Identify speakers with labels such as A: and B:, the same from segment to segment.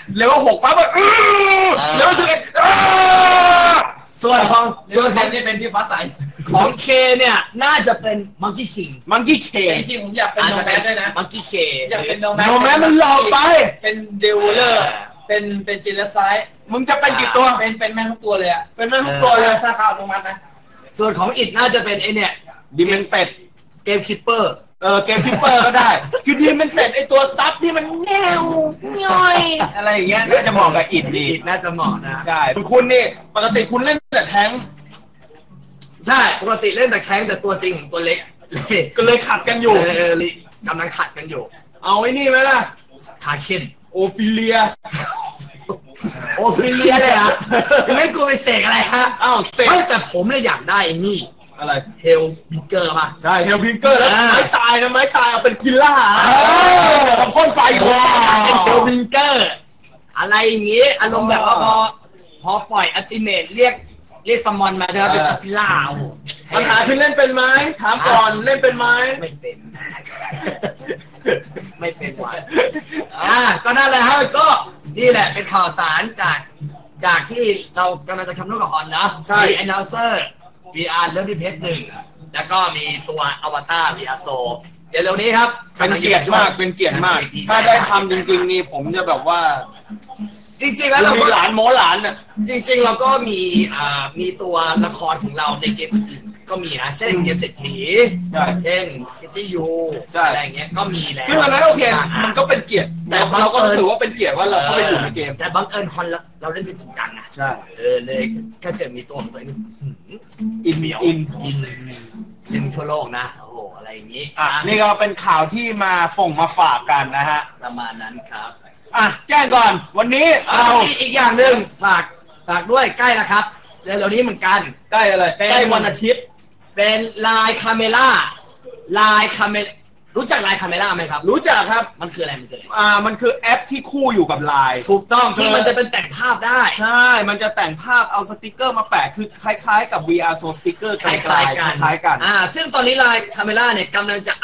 A: เลเวล6ปั๊บเลเวล11
B: ส่วนของ
C: นี่เป็นพี่ฟ้าใส
B: ของเคเนี่ยน่าจะเป็นมังกี้คิง
C: จริงๆผมอยากเป็นโนแมสด้วยนะ
B: มังกี้เค
C: อยากเป็นโนแม
A: สมันหลอกไป
C: เป็นดิวเลอร์เป็นจินเลสไซด์
A: มึงจะเป็นกี่ตัว
C: เป็นแม่ทุกตัวเลยอะ
A: เป็นแม่ทุกตัวเลย
C: ถ้าเข้าตรงนั้นนะ
B: ส่วนของอิดน่าจะเป็นไอเนี่ย
A: ดิเมนเต็ด
B: เกมคิปเปอร์
A: เกมคิปเปอร์ก็ได้คือดิเมนเต็ดไอตัวซับที่มันแง่วย่อยอะไรอย่างเงี้ยน่าจะเหมาะกับอิดดี
B: น่าจะเหมาะนะ
A: ใช่คุณนี่ปกติคุณเล่นแต่แท้ง
B: ใช่ปกติเล่นแต่แข้งแต่ตัวจริงตัวเล็ก
A: ก็เลยขัดกันอยู่
B: กำลังขัดกันอยู่
A: เอาไอ้นี่ไหมล่ะ
B: ขาเข็น
A: โอฟิเลีย
B: เลยฮะไม่กลัวไปเสกอะไรฮะ
A: อ้าวเสก
B: แต่ผมเลยอยากได้นี่
A: อะไร
B: เฮลบิงเกอร์ป่ะ
A: ใช่เฮลบิงเกอร์แล้วไม้ตายนะไม้ตายเอาเป็นกิลล่าทำพ่นไฟ
B: เป็นเฮลบิงเกอร์อะไรอย่างงี้อารมณ์แบบว่าพอปล่อยอัลติเมทเรียกสมอนมาใช่ไหมเป็นกาซิล่า
A: ปัญหาคือเล่นเป็นไหมถามก่อนเล่นเป็นไหม
B: ไม่เป็นว่ะก็นั่นแหละฮะก็นี่แหละเป็นข่าวสารจากที่เรากำลังจะคำนวณกับฮอนนะมี announcer VR เริ่มที่เพจ1แล้วก็มีตัวอวตาร VR โซเดี๋ยวเร็วนี้ครับ
A: เป็นเกียรติมากถ้าได้ทำจริงๆนี่ผมจะแบบว่า
B: จริงๆแล้วเรา
A: ก็หลานโมหลานน่ะ
B: จริงๆเราก็มีตัวละครของเราในเกมอื่นก็มีนะเช่นเกมเศรษฐีเช่นซิตี้ยูอะไรอย่างเงี้ยก็มีแล้ว
A: ซึ่งอันนั้นโอเคมันก็เป็นเกียรติแต่เราก็รู้สึกว่าเป็นเกียรติว่าเราเข้าไปอยู่ในเกม
B: แต่บังเอิญฮอนเราเล่นเป็นจริงจังนะ
A: ใช่
B: เลยถ้าเกิดมีตัวของตัวเอง
A: อิน
B: เป็นทั่วโลกนะโอ้โหอะไรอย่างงี้
A: นี่ก็เป็นข่าวที่มามาฝากกันนะฮะ
B: ประมาณนั้นครับ
A: แจ้งก่อนวันนี้เรา
B: อีกอย่างหนึ่งฝากด้วยใกล้แล้วครับเดี๋ยวนี้เหมือนกัน
A: ใกล้อะไรใกล้วันอาทิตย์
B: เป็นไลน์คาเมล่ารู้จักไลน์คาเมล่าไหมครับ
A: รู้จักครับ
B: มันคืออะไร
A: มันคือแอปที่คู่อยู่กับไลน์
B: ถูกต้องที่มันจะเป็นแต่งภาพได้
A: ใช่มันจะแต่งภาพเอาสติกเกอร์มาแปะคือคล้ายๆกับ VR โซสติกเกอร์
B: คล้ายกันซึ่งตอนนี้ไลน์คาเมล่าเนี่ยกำลังจะ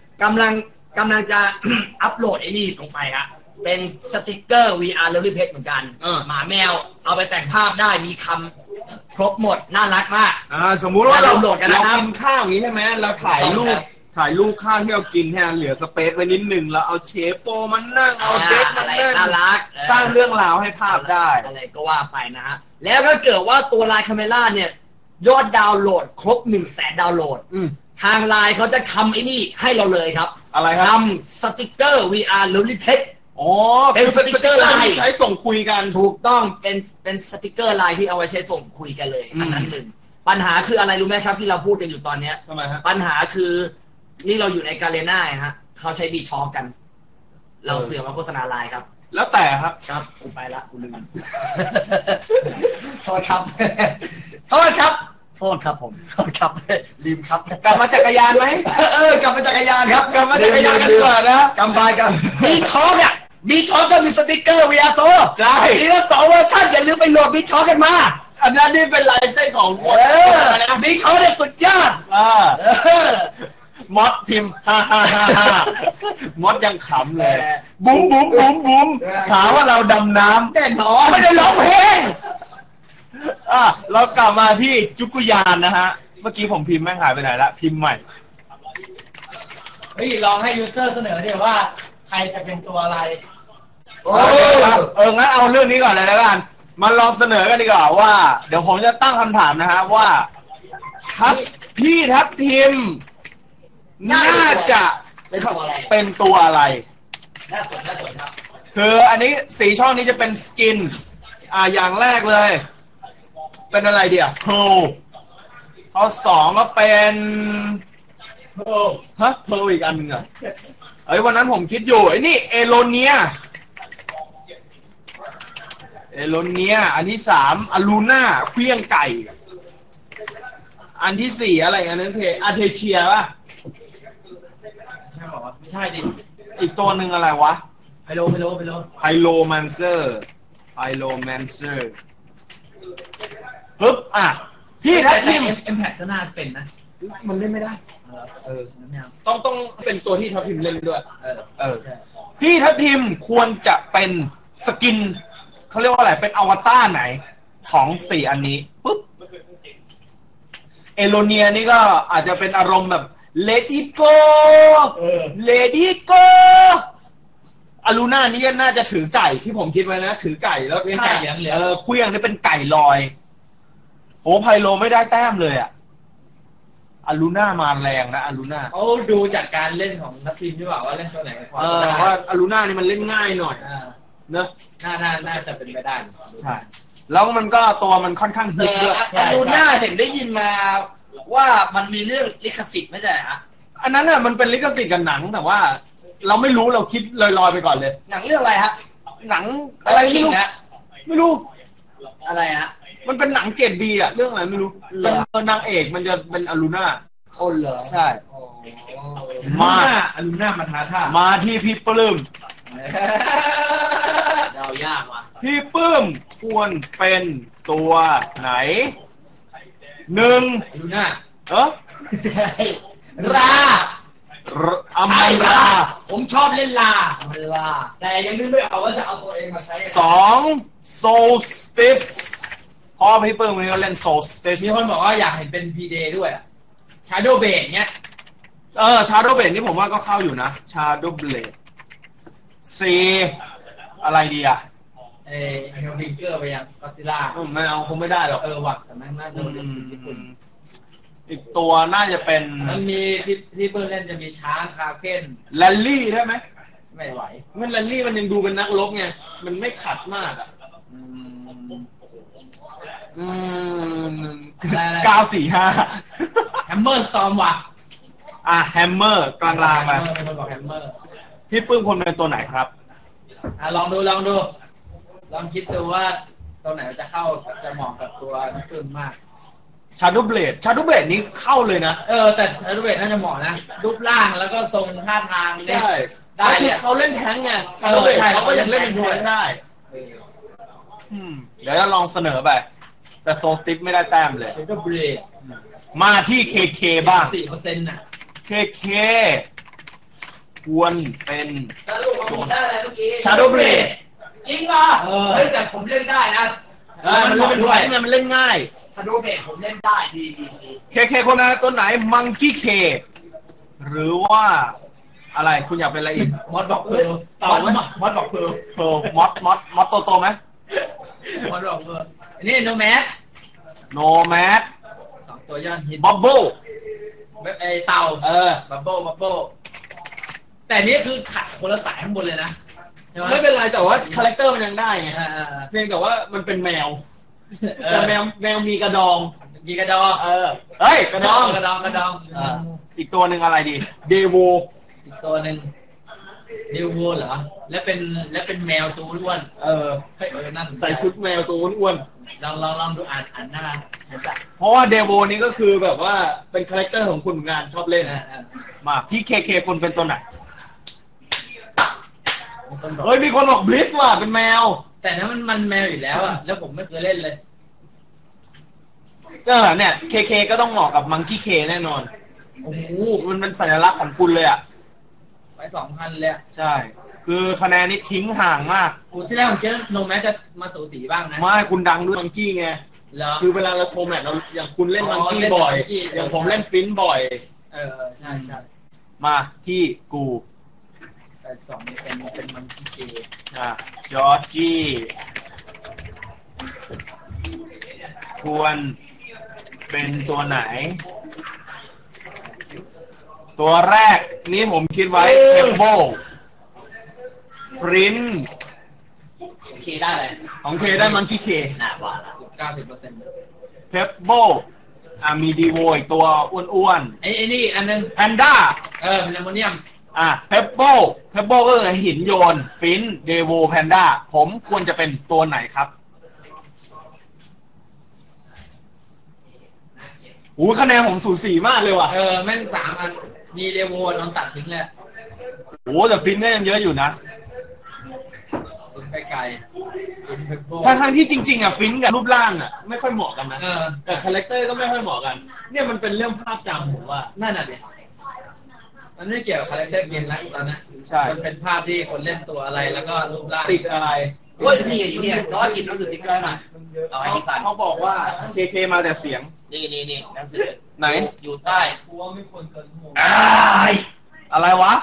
B: อัพโหลดไอ้นี่ลงไปฮะเป็นสติกเกอร์ VR แล้วรีเพจเหมือนกันหมาแมวเอาไปแต่งภาพได้มีคำครบหมดน่ารักมาก
A: สมมุติว่าเรากินข้าวอย่างนี้ใช่ไหมเราถ่ายรูปข้าวที่เรากินแทนเหลือสเปซไว้นิดหนึ่งแล้วเอาเชฟโปมันนั่งเอาเด็กมันนั่ง
B: น่ารัก
A: สร้างเรื่องราวให้ภาพได้
B: อะไรก็ว่าไปนะฮะแล้วถ้าเกิดว่าตัวไลน์คาเมล่าเนี่ยยอดดาวน์โหลดครบ 100,000 ดาวน์โหลดทางไลน์เขาจะทำไอ้นี่ให้เราเลยครับ
A: อะไรครับ
B: ทำสติกเกอร์ VR แล้วรีเพจ
A: เป็นสติกเกอร์ไลน์ใช้ส่งคุยกัน
B: ถูกต้องเป็นสติกเกอร์ไลน์ที่เอาไว้ใช้ส่งคุยกันเลยอันนั้นหนึ่งปัญหาคืออะไรรู้ไหมครับที่เราพูดกันอยู่ตอนนี้
A: ทำไมฮะ
B: ปัญหาคือนี่เราอยู่ในกาเลน่าฮะเขาใช้บีช็อคกันเราเสือกมาโฆษณาไลน์ครับ
A: แล้วแต่ครับ
B: กูไปละกูลืมโทษครับผมโทษครับลืมครับ
A: กลับมาจักรยานไหม
B: กลับมาจักรยานครับ
A: กลับมาจักรยานกันก่อนนะ
B: กำบายกันบีช็อคเนี่ยบีช็อคก็มีสติกเกอร์ VR โซ
A: ใช่
B: มีทั้ง2 เวอร์ชันอย่าลืมไปโหลดบีช็อคกันมา
A: อันนั้นนี่เป็นลายเส้นของ
B: นะบีช็อคเนี่ยสุดยอด
A: มอสพิมพ์มอสยังขำเลยบุ้มถามว่าเราดำน้ำ
B: แน่นอนไม่ได้ร้องเพลง
A: เรากลับมาที่จุกุยานนะฮะเมื่อกี้ผมพิมพ์แม่งหายไปไหนละพิมพ์ใหม่
C: ลองให้ยูเซอร์เสนอดิว่าใครจะเป็นตัวอะไร
A: งั้นเอาเรื่องนี้ก่อนเลยแล้วกันมาลองเสนอกันดีกว่าว่าเดี๋ยวผมจะตั้งคำถามนะฮะว่าพี่ทัพทิมน่าจะเป็นตัวอะไร
B: น่าสนครับ
A: คืออันนี้4 ช่องนี้จะเป็นสกินอย่างแรกเลยเป็นอะไรเดี๋ยวข้อ2ก็เป็นเพลอีกอันนึงวันนั้นผมคิดอยู่ไอ้นี่เอโลเนียอันที่3อลูน่าเคลี้ยงไก่อันที่4อะไรอันนั้นอาเทเชียป่ะ
C: ใช่บอกว่าไม่ใช่ดิ
A: อีกตัวหนึ่งอะไรวะ
C: ไฮโล
A: แมนเซอร์ฮึบพี่ทัพทิม
C: เอ็มแพคก็น่าเป็นนะ
A: มันเล่นไม่ได้ต้องเป็นตัวที่ทัพทิมเล่นด้วยพี่ทัพทิมควรจะเป็นสกินเขาเรียกว่าอะไรเป็นอวตารไหนของ4อันนี้ปุ๊บเอโลเนียนี่ก็อาจจะเป็นอารมณ์แบบ Let it go Let it go อารูน่านี่น่าจะถือไก่ที่ผมคิดไว้นะถือไก่แล้วเคลี้ยงนี่เป็นไก่ลอยโอ้ไพโลไม่ได้แต้มเลยอะอารูน่ามาแรงนะอารูน่า
C: เขาดูจากการเล่นของนักทีมที่ว่าเล่นตัวไหนพอ
A: ว่าอารูน่านี่มันเล่นง่ายหน่อยเนอะ
C: น่าจะเป็นไปได้
A: ใช่แล้วมันก็ตัวมันค่อนข้างฮิตด้วย
B: อารูน่าเห็นได้ยินมาว่ามันมีเรื่องลิขสิทธิ์ไม่ใช่ฮะ
A: อันนั้นน่ะมันเป็นลิขสิทธิ์กับหนังแต่ว่าเราไม่รู้เราคิดลอยๆไปก่อนเลย
B: หนังเรื่องอะไรฮะ
A: หนังอะไรไม่รู้ไม่รู้
B: อะไรฮะ
A: มันเป็นหนังเกรดบีอะเรื่องอะไรไม่รู้เป็นนางเอกมันจะเป็นอารูน่า
B: คนเหรอ
A: ใช่
C: มาอารูน่ามาท้าท่า
A: มาที่พี่ปลื้ม
B: เดายากว่ะ
A: พี่ปลื้มควรเป็นตัวไหน1
C: อารูน่า
B: รา
A: อัมรา
B: ผมชอบเล่นลาแต่ยังนึกไม่ออกว่าจะเอาตัวเองมาใช้
A: 2 Solstice พอพี่เปิ้ลมันก็เล่น Solstice
C: มีคนบอกว่าอยากเห็นเป็น P-Day ด้วย Shadow Blade เนี้ย
A: Shadow Blade นี่ผมว่าก็เข้าอยู่นะ Shadow Blade 4อะไรดีอ่ะ
C: เฮลวิงเกอร์ไปยังก็ซิล่า
A: ไม่เอาคงไม่ได้หรอก
C: ว่ะแต่แม่งน่าจะเป็นสิ่งญี่ปุ่น
A: อีกตัวน่าจะเป็น
C: มันมีที่เปิ้ลเล่นจะมีช้างคาเคน
A: แรลลี่ได้ไหม
C: ไม่ไหว
A: มันแรลลี่มันยังดูเป็นนักรบไงมันไม่ขัดมากอ่ะ945
C: แฮมเมอร์สตอร์มว่ะ
A: แฮมเมอร์กลางๆไปพี่ปื้มคนเป็นตัวไหนครับ
C: ลองดูลองคิดดูว่าตัวไหนจะเข้าจะเหมาะกับตัวพี่ปื้มมาก
A: Shadow Blade นี้เข้าเลยนะ
C: แต่ Shadow Blade น่าจะเหมาะนะรูปร่างแล้วก็ทรงท่าทาง
A: เนี่ยได้เนี่ยเขาเล่นแท้งไง Shadow Blade เขาก็ยังเล่นเป็นแท้งได้เดี๋ยวจะลองเสนอไปแต่โซติปไม่ได้แต้มเลย
C: Shadow Blade
A: มาที่ KK บ้าง
C: 4% น่ะ
A: KK ควรเป็น
B: Shadow Blade จริงเหรอแต่ผมเล่นได้นะ
A: มันเล่นเป็นแท้งไงมันเล่นง่าย
B: Shadow Blade ผมเล่นได้ดี
A: KK คนนั้นตัวไหน Monkey K หรือว่าอะไรคุณอยากเป็นอะไรอีก
C: มอสบอกมอสบอก
A: มอสโตไหม
C: มอสบอกนี่โนแมส2ตัวยอดฮิต
A: บับเบิ้ล
C: เต่าบับเบิ้ลแต่นี่คือขัดคนละสายข้างบนเลยนะ
A: ไม่เป็นไรแต่ว่าคาแรคเตอร์มันยังได้ไงเพียงแต่ว่ามันเป็นแมวแต่แมวมีกระดองเฮ้ยกระดองอีกตัวหนึ่งอะไรดีเดโว
C: อีกตัวหนึ่งเดโวเหรอและเป็นแมวตัวอ้วนน่าสนใจ
A: ใส่ชุดแมวตัวอ้วน
C: ลองดูอ่านหน้า
A: เพราะว่าเดโวนี้ก็คือแบบว่าเป็นคาแรคเตอร์ของคุณงานชอบเล่นมาพี่เคคนเป็นตัวไหนเฮ้ยมีคนบอกบลิสว่ะเป็นแมว
C: แต่นั้นมันแมวอยู่แล้วอ่ะแล้วผมไม่เคยเล่นเลย
A: เนี่ยเคก็ต้องเหมาะกับมังกี้เคแน่นอน
C: โอ้โห
A: มันเป็นสัญลักษณ์ของคุณเลยอ่ะ
C: ไป 2,000 เลย
A: ใช่คือคะแนนนี้ทิ้งห่างมาก
C: ที่แรกผมคิดว่าโนแมสจะมาสูสีบ้างนะ
A: ไม่คุณดังด้วยมังกี้ไงคือเวลาเราโชว์แมตช์เราอย่างคุณเล่นมังกี้บ่อยอย่างผมเล่นฟินบ่อย
C: ใช่
A: มาที่กู
C: 2นี่เป็นมังกี้เค
A: จอร์จี้ควรเป็นตัวไหนตัวแรกนี้ผมคิดไว้เทมโบฟริน
B: เคได้เลย
A: ของเคได้มังกี้เค
B: น่าว่า
C: 90%
A: เพปโบมีดีโวอีกตัวอ้วน
C: ๆไอ้นี่อันนึง
A: แพนด้า
C: เป็นแอมโมเนียม
A: เพปโบก็คือหินโยนฟินเดโวแพนด้าผมควรจะเป็นตัวไหนครับคะแนนผมสูสีมากเลยว่ะ
C: แม่ง3 อันมีเดโวโดนตัดทิ้งเลย
A: แต่ฟินก็ยังเยอะอยู่นะ
C: ฟินไปไกล
A: ทางที่จริงๆฟินกับรูปร่างไม่ค่อยเหมาะกันนะแต่คาแรคเตอร์ก็ไม่ค่อยเหมาะกันเนี่ยมันเป็นเรื่องภาพจำผมว่า
C: นั่นน่ะดิมันไม่เกี่ยวกับคาแรคเตอร์เกมแล้วตอนนั้นมันเป็นภาพที่คนเล่นตัวอะไรแล้วก็รูปร่าง
A: ติดอะไร
B: โอ้ยนี่อยู่เนี่ยจอร์จกินหนังสือติ๊กเกอร์หน่อยเอาให้พี่สัน
A: เขาบอกว่าเคมาแต่เสียง
B: นี่หนังสือ
A: ไหน
B: อยู่ใต้
A: อะไรวะ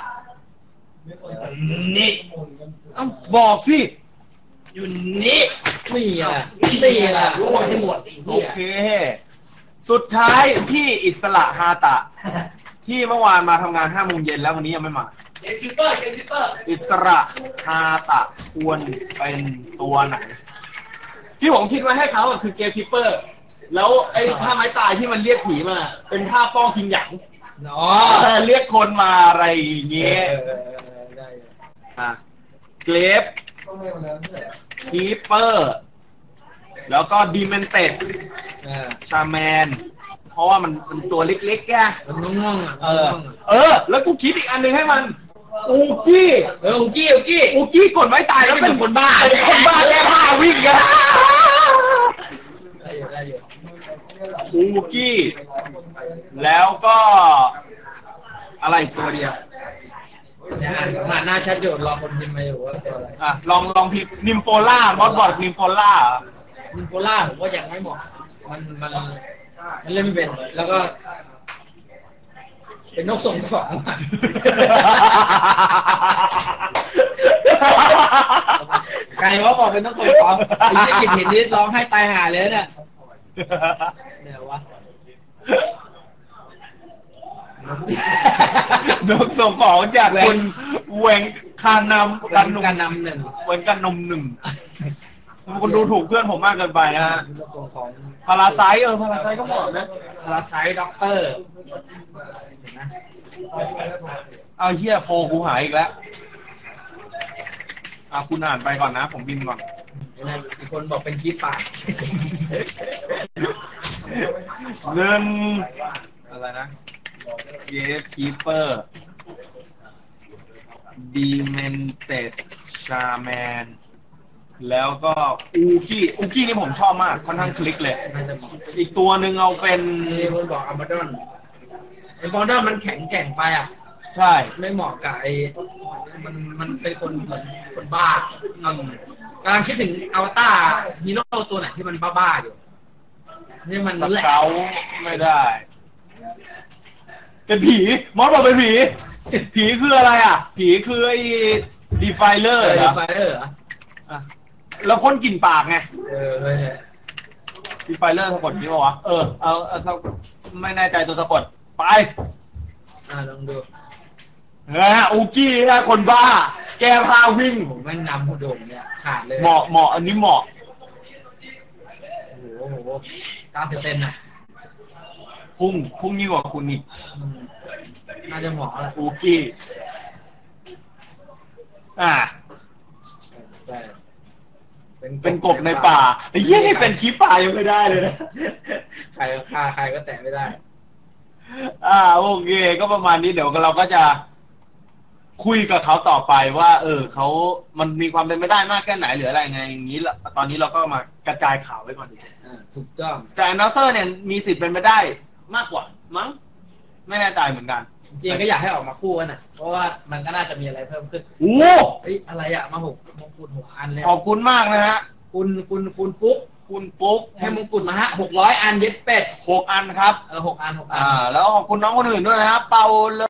B: นี่
A: เอ้าบอกสิ
B: อยู่นี่
C: นี่อ่ะ
B: นี่แหละร่วงให้หมด
A: โอเค สุดท้ายพี่อิสระฮาตะ ที่เมื่อวานมาทำงาน5 โมงเย็นแล้ววันนี้ยังไม่มา
B: เกมคิปเปอร์
A: อิสระฮาตะควรเป็นตัวไหนที่ผมคิดไว้ให้เขาอะคือเกมคิปเปอร์ แล้วไอ้ท่าไม้ตายที่มันเรียกผีมาเป็นท่าป้องคิงหยาง
C: เนาะ
A: เรียกคนมาอะไรอย่างเงี้ย
C: ได้
A: อ่ะเกรฟคีเปอร์แล้วก็ดีเมนเต็ดชาแมนเพราะว่ามันเป็นตัวเล็กๆแก
C: มันง่วงอ่ะ
A: แล้วกูคิดอีกอันหนึงให้มันอูกี้
C: อุกี้
A: กดไม้ตายแล้วเป็นคนบ้าแก้ผ้าวิ่งกัน
C: ได้อยู่
A: อูกี้ แล้วก็อะไรอีกตัวเดียว
C: เนี่ยอ่านหน้าชัดอยู่รอคนพิมพ์มาอยู่ว่าตัวอะไร
A: อ่ะลองพิมพ์นิมโฟล่ามอสบอดนิมโฟล่า
C: มินโฟล่าผมว่ายังไม่เหมาะมันเล่นไม่เป็นแล้วก็เป็นนกส่งของใครว่าบอกเป็นนกส่งของไอ้ที่กินเห็นนิดร้องให้ตายห่าเลยเนี่ยเดี๋ยววะ
A: นกส่งของจากคุณเวงคานำกันหนุ่ม
C: การนำหนึ่ง
A: เวงกันนมหนึ่งคุณดูถูกเพื่อนผมมากเกินไปนะฮะ
C: นกส่งของ
A: พาราไซต์พาราไซต์ก็เหมาะนะ
C: พาราไซต์ด็อกเตอร์เห็นไหม
A: เอาเฮียโพกูหายอีกแล้วคุณอ่านไปก่อนนะ ผมบินก่อน
C: อีกคนบอกเป็นคีปปาก
A: เงินอะไรนะเยฟคีเปอร์ดีเมนเต็ดชาแมนแล้วก็อูกี้นี่ผมชอบมากค่อนข้างคลิกเลย
C: น่าจะเหมาะ
A: อีกตัวหนึ่งเอาเป็น
C: มีคนบอกอัลมาดอนไอ้บอลดอนมันแข็งแกร่งไปอ่ะ
A: ใช่
C: ไม่เหมาะกับไอ้มันเป็นคนเหมือนคนบ้ากำลังคิดถึงอวตารฮีโร่ตัวไหนที่มันบ้าๆอยู่นี่มัน
A: ส
C: แหลก
A: เกลไม่ได้ เป็นผีมอสบอกเป็นผีผีคืออะไรอ่ะ ผีคือไอ้ดีไฟเลอร์เหรอ
C: ไฟเออร์เหรอ
A: แล้วพ่นกลิ่นปากไง
C: เลย
A: ดีไฟเลอร์สะกดนี้ป่าวะเอาไม่แน่ใจตัวสะกดไป
C: ลองดู
A: อูกี้นะคนบ้า แก้ผ้าวิ่ง
C: ผมแม่งนำหูดมเนี่ยขาดเลย
A: เหมาะอันนี้เหมาะ
C: โอ้โห90เซนน่ะ
A: พุ่งยิ่งกว่าคุณอีก
C: น่าจะเหมาะแหละ
A: อูกี้เป็นกบในป่าไอ้เหี้ยนี่เป็นคลิปป่ายังไม่ได้เลยนะ
C: ใครฆ่าใครก็แตะไม่ได้
A: โอเคก็ประมาณนี้เดี๋ยวเราก็จะคุยกับเขาต่อไปว่าเขามันมีความเป็นไปได้มากแค่ไหนหรืออะไรไงอย่างนี้ตอนนี้เราก็มากระจายข่าวไว้ก่อนดี
C: ถูกต้อง
A: แต่อนาเซอร์เนี่ยมีสิทธิ์เป็นไปได้มากกว่ามั้งไม่แน่ใจเหมือนกัน
C: จริงก็อยากให้ออกมาคู่กันน่ะเพราะว่ามันก็น่าจะมีอะไรเพิ่มขึ้น
A: โอ้
C: เฮ้ยอะไรอะมามงกุฎ6 อันเลย
A: ขอบคุณมากนะฮะ
C: คุณปุ๊ก
A: คุณปุ๊ก
C: ให้มงกุฎมาฮะ600 อันเย็ดเป็ด
A: 6 อันครับ
C: 6 อัน
A: แล้วขอบคุณน้องคนอื่นด้วยนะครับเปา